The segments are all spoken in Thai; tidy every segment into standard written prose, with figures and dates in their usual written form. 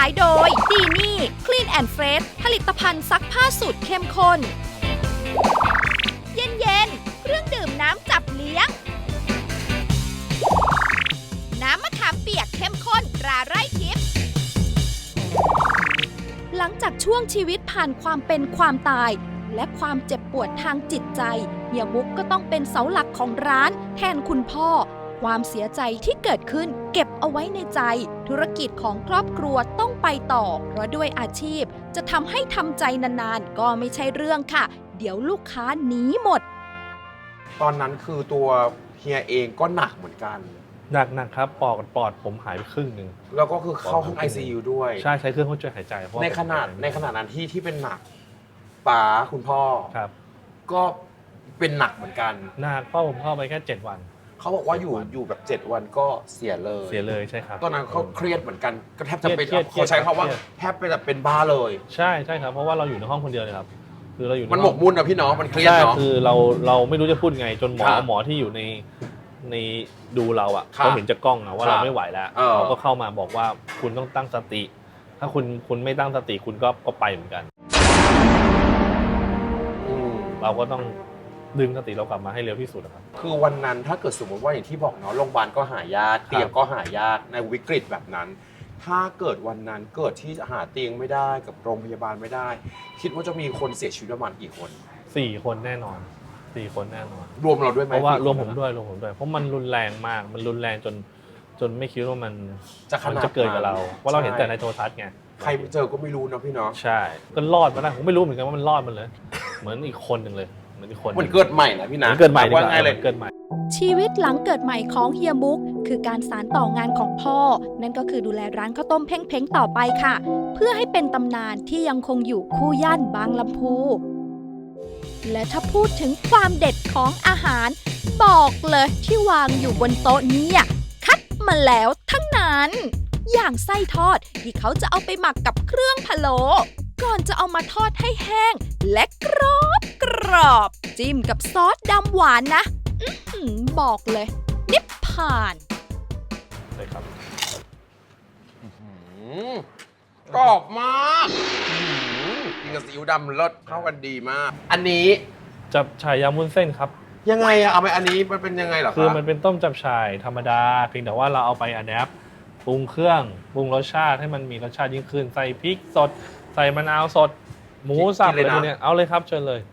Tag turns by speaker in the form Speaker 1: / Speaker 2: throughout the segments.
Speaker 1: ายโดยดีนี่ Clean and Fresh ผลิตภัณฑ์ซักผ้าสูตรเข้มข้นเย็นๆเครื่องดื่มน้ำจับเลี้ยงน้ำมะขามเปียกเข้มข้นตราไร่ทิพย์หลังจากช่วงชีวิตผ่านความเป็นความตายและความเจ็บปวดทางจิตใจเฮียบุ๊กก็ต้องเป็นเสาหลักของร้านแทนคุณพ่อความเสียใจที่เกิดขึ้นเก็บเอาไว้ในใจธุรกิจของครอบครัวต้องไปต่อเพราะด้วยอาชีพจะทำให้ทำใจนานๆก็ไม่ใช่เรื่องค่ะเดี๋ยวลูกค้าหนีหมด
Speaker 2: ตอนนั้นคือตัวเฮียเองก็หนักเหมือนกัน
Speaker 3: หนักครับปอดผมหายไปครึ่งหนึ่ง
Speaker 2: แล้วก็คือเข้าห้อง ICU ด้วย
Speaker 3: ใช่ใช้เครื่องช่วยหายใจ
Speaker 2: ในขนาดนั้นที่เป็นหนักป๋าคุณพ่อ
Speaker 3: ครับ
Speaker 2: ก็เป็นหนักเหมือนกัน
Speaker 3: หนักพ่อผมเข้าไปแค่7 วัน
Speaker 2: เขาบอกว่าอยู่แบบ7 วันก็เสียเลย
Speaker 3: ใช่ครับ
Speaker 2: ตอนนั้นเขาเครียดเหมือนกันก็แทบจะเป็นเขาใช้คำว่าแทบเป็นบ้าเลย
Speaker 3: ใช่ครับเพราะว่าเราอยู่ในห้องคนเดียวเลยครับคือเราอยู่
Speaker 2: มันหมกมุ่นนะพี่น้องมันเครียดเนาะ
Speaker 3: คือเราไม่รู้จะพูดไงจนหมอที่อยู่ในดูเราอ่ะเขาเห็นจากกล้องว่าเราไม่ไหวแล้วเขาก็เข้ามาบอกว่าคุณต้องตั้งสติถ้าคุณไม่ตั้งสติคุณก็ไปเหมือนกันเราก็ต้องดึงสติเรากลับมาให้เร็วที่สุดครับ
Speaker 2: คือวันนั้นถ้าเกิดสมมติว่าอย่างที่บอกเนาะโรงพยาบาลก็หายากเตียงก็หายากในวิกฤตแบบนั้นถ้าเกิดวันนั้นเกิดที่หาเตียงไม่ได้กับโรงพยาบาลไม่ได้คิดว่าจะมีคนเสียชีวิตประมาณกี่คน
Speaker 3: 4 คนแน่นอน4 คนแน่นอน
Speaker 2: รวมเราด้วยไหม
Speaker 3: เพราะว่ารวมผมด้วยเพราะมันรุนแรงมากมันรุนแรงจนไม่คิดว่ามันจะเกิดกับเราว่าเราเห็นแต่ในโทรทัศน์ไง
Speaker 2: ใครเจอก็ไม่รู้นะพี่เนาะ
Speaker 3: ใช่ก็รอดมาได้ผมไม่รู้เหมือนกันว่ามันรอดมันเลยเหมือนอีกคนหนึ่งเลย
Speaker 2: มันเกิดใหม่นะพี่นะ
Speaker 3: เกิดใหม่ว่าไงเลยเกิดใหม่
Speaker 1: ชีวิตหลังเกิดใหม่ของเฮียบุ๊กคือการสานต่องานของพ่อนั่นก็คือดูแลร้านข้าวต้มเพ้งๆต่อไปค่ะเพื่อให้เป็นตำนานที่ยังคงอยู่คู่ย่านบางลำพูและถ้าพูดถึงความเด็ดของอาหารบอกเลยที่วางอยู่บนโต๊ะนี้คัดมาแล้วทั้งนั้นอย่างไส้ทอดที่เขาจะเอาไปหมักกับเครื่องพะโล้ก่อนจะเอามาทอดให้แห้งและกรอบจิ้มกับซอสดำหวานนะบอกเลยนิพพาน
Speaker 3: ใช่ครับ
Speaker 2: กรอบมากกินกับซีอิ๊วดำรสเข้ากันดีมากอันนี้
Speaker 3: จับฉ่ายยำวุ้นเส้นครับ
Speaker 2: ยังไงเอาไปอันนี้มันเป็นยังไงเหรอ
Speaker 3: คือมันเป็นต้มจับฉ่ายธรรมดาเพียงแต่ว่าเราเอาไปอะแดปปรุงเครื่องปรุงรสชาติให้มันมีรสชาติยิ่งขึ้นใส่พริกสดใส่มะนาวสดหมูสับอะไรพวกนี้เอาเลยครับเชิญเลย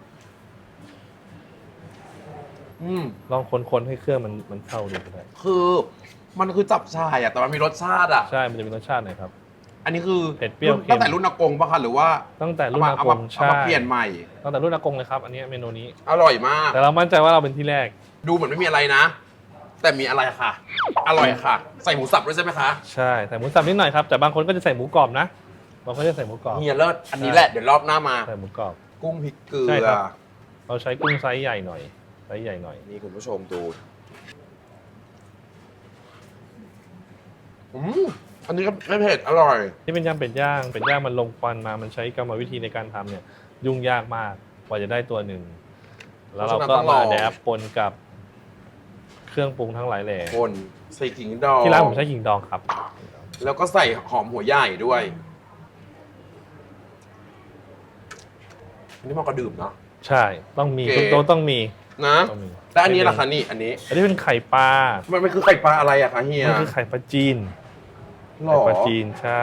Speaker 3: ลองคนให้เครื่องมันเข้าดีก็ได้
Speaker 2: คือมันคือจับฉ่ายแต่มันมีรสชาติ
Speaker 3: ใช่มันจะมีรสชาติหน่อยครับ
Speaker 2: อันนี้คือ
Speaker 3: เผ็ดเปรี้ยว
Speaker 2: ตั้งแต่รุ่นอากงป่ะคะหรือว่า
Speaker 3: ตั้งแต่รุ่นอากง
Speaker 2: ใช่เปลี่ยนใหม่
Speaker 3: ตั้งแต่รุ่นอากงเลยครับอันนี้เมนูนี้
Speaker 2: อร่อยมาก
Speaker 3: แต่เรามั่นใจว่าเราเป็นที่แรก
Speaker 2: ดูเหมือนไม่มีอะไรนะแต่มีอะไรค่ะอร่อยค่ะใส่หมูสับด้วยใช่ไหมคะ
Speaker 3: ใช่ใส่หมูสับนิดหน่อยครับแต่บางคนก็จะใส่หมูกรอบนะบางคนจะใส่หมูกรอบ
Speaker 2: เฮียเลิศอันนี้แหละเดี๋ยวรอบหน้ามา
Speaker 3: ใส่หมูกรอบ
Speaker 2: กุ้งพริกเกลือ
Speaker 3: เราใช้กุ้งไซส์ใหญ่หน่อย
Speaker 2: นี่คุณผู้ชมดูอันนี้ก็ไม่เผ็ดอร่อย
Speaker 3: ที่เป็นยำเป็ดย่างมันลงควันมามันใช้กรรมวิธีในการทำเนี่ยยุ่งยากมากกว่าจะได้ตัวหนึ่งแล้วเราก็มาแดบปนกับเครื่องปรุงทั้งหลายแหล่
Speaker 2: ปนใส่ขิงดอง
Speaker 3: ที่ร้านผมใช้ขิงดองครับ
Speaker 2: แล้วก็ใส่หอมหัวใหญ่ด้วยอันนี้มันก็ดื่มเนาะ
Speaker 3: ใช่ต้องมีทุกโต๊ะต้องมี
Speaker 2: นะแล้วอันนี้ล่ะคะนี่อันนี้
Speaker 3: เป็นไข่ปลา
Speaker 2: มันคือไข่ปลาอะไรอะคะเฮีย
Speaker 3: มันคือไข่ปลาจีนไข่ปลาจีนใช่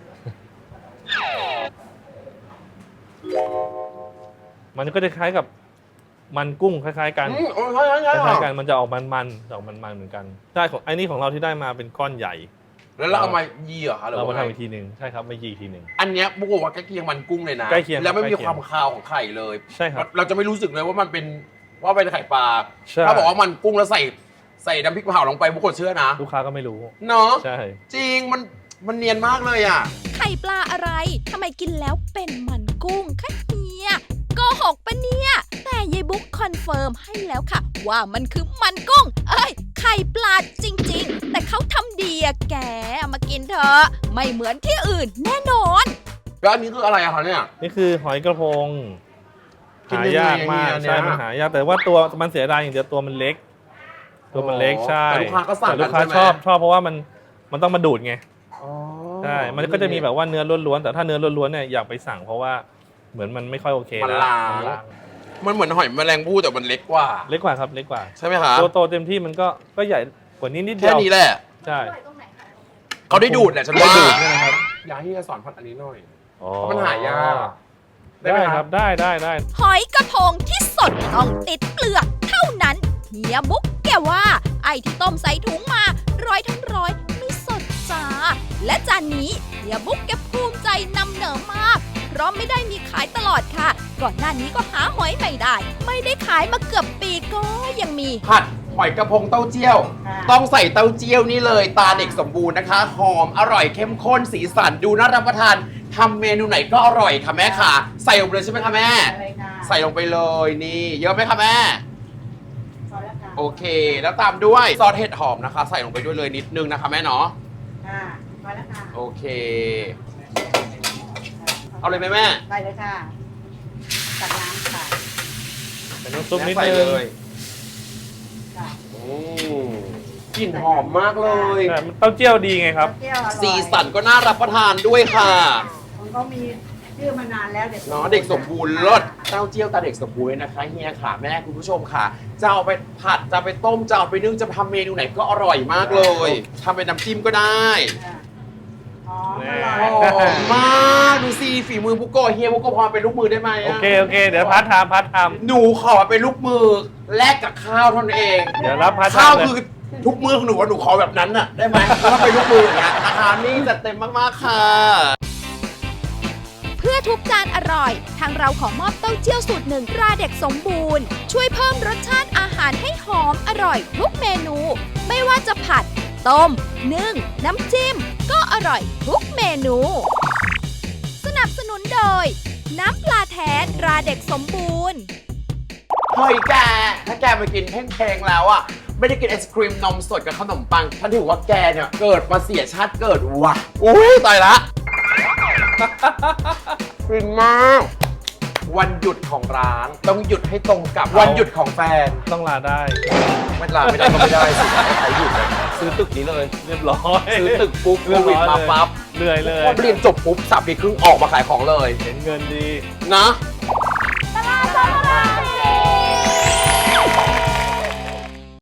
Speaker 3: มันก็จะคล้ายกับมันกุ้งคล้ายๆกันคล้ายๆกันมันจะออกมันเหมือนกันใช่ของไอ้นี่ของเราที่ได้มาเป็นก้อนใหญ่
Speaker 2: แล้วเราเอามายีเหรอคะ
Speaker 3: เรามาทำอีกทีหนึ่งใช่ครับมายีอีกทีหนึ่ง
Speaker 2: อันเนี้ยบุกว่าใกล้เคียงมันกุ้งเลยนะ
Speaker 3: ใกล้เคียง
Speaker 2: แล้วไม่มีความคาวของไข่เลย
Speaker 3: ใช่ครับ
Speaker 2: เราจะไม่รู้สึกเลยว่ามันเป็นไข่ปลาถ้าบอกว่ามันกุ้งแล้วใส่น้ำพริกเผาลงไปบุกคนเชื่อนะ
Speaker 3: ลูกค้าก็ไม่รู้
Speaker 2: เนาะ
Speaker 3: ใช่
Speaker 2: จริงมันเนียนมากเลย
Speaker 1: ไข่ปลาอะไรทำไมกินแล้วเป็นมันกุ้งคะเฮียโกหกปะเนี่ยแต่ยายบุ๊กคอนเฟิร์มให้แล้วค่ะว่ามันคือมันกุ้งไข่ปลาจริงๆแต่เขาทำดีแกมากินเถอะไม่เหมือนที่อื่นแน่นอน
Speaker 2: แล้วอันนี้คืออะไรอะคะเนี่ย
Speaker 3: นี่คือหอยกระพงหายากมากใช่มันหายากแต่ว่าตัวมันเสียดายอย่างเดียวตัวมันเล็กใช่
Speaker 2: แต่ลูกค้าก็สั่ง
Speaker 3: แต่ลูกค้าชอบเพราะว่ามันต้องมาดูดไงใช่มันก็จะมีแบบว่าเนื้อล้วนๆแต่ถ้าเนื้อล้วนๆเนี่ยอยากไปสั่งเพราะว่าเหมือนมันไม่ค่อยโอเค
Speaker 2: มัน
Speaker 3: แล้ว
Speaker 2: ล้าง มันเหมือนหอยแมลงภู่แต่มันเล็กกว่า
Speaker 3: เล็กกว่าครับเล็กกว่า
Speaker 2: ใช่ไหมคะ
Speaker 3: ตัวโตเต็มที่มันก็ใหญ่กว่านี้นิดเดี
Speaker 2: แค่
Speaker 3: ยว
Speaker 2: นี้แหละ
Speaker 3: ใช่
Speaker 2: เขาได้ดูดแหละฉัน
Speaker 3: ได้
Speaker 2: ว่า
Speaker 3: ดูดใช่ไหมครับ
Speaker 2: อยากให้จะสอนพัดอันนี้หน่อย
Speaker 3: อ๋อ
Speaker 2: เพราะมันหายากอะ
Speaker 3: ได้ครับได้
Speaker 1: หอยกระพงที่สดต้องติดเปลือกเท่านั้น เฮียบุ๊กแกว่าไอ้ที่ต้มใส่ถุงมาร้อยทั้งร้อยไม่สดจ้า และจานนี้เฮียบุ๊กแกภูมิใจนำเหนอมาก เพราะไม่ได้มีขายตลอดค่ะ ก่อนหน้านี้ก็หาหอยไม่ได้ ไม่ได้ขายมาเกือบปีก็ยังมี
Speaker 2: ผัดหอยกระพงเต้าเจี้ยว ต้องใส่เต้าเจี้ยวนี่เลย ตาเด็กสมบูรณ์นะคะ หอมอร่อยเข้มข้นสีสันดูน่ารับประทานทำเมนูไหนก็อร่อยค่ะแม่ค่ะ ใส่ลงไปเลยใช่ไหมคะแม่ ใส่ลงไปเลยนี่เยอะไหมคะแม่ โอเค แล้วตามด้วยซอสเห็ดหอมนะคะ ใส่ลงไปด้วยเลยนิดนึงนะคะแม่เนาะ
Speaker 4: ค่ะพอแล้วค่ะ
Speaker 2: โอเค เอาเลยไหมแม่
Speaker 4: ไปเลยค่ะ ตักน้ำค่ะ
Speaker 3: เป็นน้ำซุปนิด
Speaker 2: ใส่
Speaker 3: นึ
Speaker 2: เล
Speaker 3: ง
Speaker 2: ย
Speaker 4: ค่ะ
Speaker 2: อืมกลิ่นหอมมากเลย
Speaker 3: แต่มันเต้าเจี้ยวดีไงครับ
Speaker 4: เที่ยวอร่อย
Speaker 2: สีสันก็น่ารับประทานด้วยค่ะ
Speaker 4: มันก็มีชื่อมานานแล้วเด็ก
Speaker 2: เนาะเด็กสมบูรณ์รสเต้าเจี้ยวตาเด็กสมบูรณ์นะคะเฮียค่ะแม่คุณผู้ชมค่ะ จะเอาไปผัดจะเอาไปต้มจะเอาไปนึ่งจะทำเมนูไหนก็อร่อยมากเลยทำเป็นน้ำจิ้มก็ได้
Speaker 4: ค่ะหอมอ
Speaker 2: ห
Speaker 4: ร่อย
Speaker 2: อมมากดูสิฝีมือบุโกะเฮียบุโกะพอเป็นลูกมือได้ไหม
Speaker 3: โอ
Speaker 2: อะ
Speaker 3: เคเดี๋ยวพัดทำ
Speaker 2: หนูขอเป็นลูกมือแลกกับข้าวเท่านั้นเอง
Speaker 3: เดี๋ยวรับพัด
Speaker 2: ข้าว
Speaker 3: ทำเลย
Speaker 2: คือทุกมือของหนูอะหนูขอแบบนั้นน่ะได้ไหมถ้าเป็นลูกมืออย่างเงี้ยนะคะนี่จัดเต็มมากๆค่ะ
Speaker 1: เพื่อทุกจานอร่อย ทางเราขอมอบเต้าเจี้ยวสูตรหนึ่งตราเด็กสมบูรณ์ ช่วยเพิ่มรสชาติอาหารให้หอมอร่อยทุกเมนู ไม่ว่าจะผัด ต้ม นึ่ง น้ำจิ้ม ก็อร่อยทุกเมนู สนับสนุนโดย น้ำปลาแท้ตราเด็กสมบูรณ์
Speaker 2: เฮ้ยแก ถ้าแกมากินเพลงๆแล้วอ่ะ ไม่ได้กินไอศครีมนมสดกับขนมปังฉันถือว่าแกเนี่ย เกิดมาเสียชาติเกิดว่ะ อุ้ยตายละฟินมาก วันหยุดของร้านต้องหยุดให้ตรงกับวันหยุดของแฟน
Speaker 3: ต้องลาได้
Speaker 2: ไม่ลาไม่ได้ก็ไม่ได้สิให้ใครหยุดเลยซื้อตึกนี้เลย
Speaker 3: เรียบร้อย
Speaker 2: ซื้อตึกปุ๊บโค
Speaker 3: เรียบ
Speaker 2: วิด
Speaker 3: ร้อย
Speaker 2: มาปั๊บ
Speaker 3: เหนื่อยเลย
Speaker 2: พอเรียนจบปุ๊บ3 ปีครึ่งออกมาขายของเลย
Speaker 3: เห็นเงินดี
Speaker 2: นะ